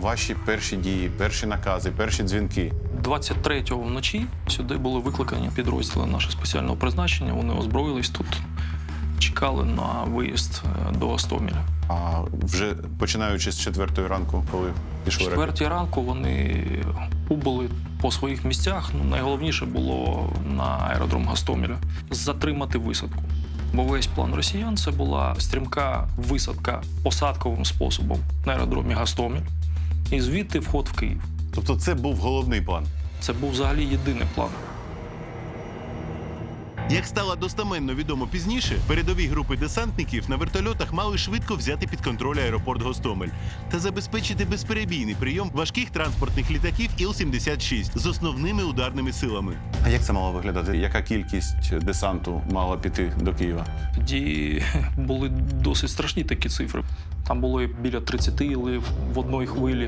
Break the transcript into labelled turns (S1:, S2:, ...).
S1: ваші перші дії, перші накази, перші дзвінки?
S2: 23-го вночі сюди були викликані підрозділи нашого спеціального призначення. Вони озброїлись тут, чекали на виїзд до Гостомеля.
S1: А вже починаючи з 4-ї ранку, коли
S2: В
S1: пішли ракети?
S2: 4-й ранку вони убули по своїх місцях. Найголовніше було на аеродром Гостомеля затримати висадку. Бо весь план росіян – це була стрімка висадка посадковим способом на аеродромі Гостомель. І звідти вход в Київ.
S1: Тобто це був головний план?
S2: Це був взагалі єдиний план.
S3: Як стало достеменно відомо пізніше, передові групи десантників на вертольотах мали швидко взяти під контроль аеропорт Гостомель та забезпечити безперебійний прийом важких транспортних літаків Іл-76 з основними ударними силами.
S1: А як це мало виглядати? Яка кількість десанту мала піти до Києва?
S2: Тоді були досить страшні такі цифри. Там було біля 30 ілів в одній хвилі.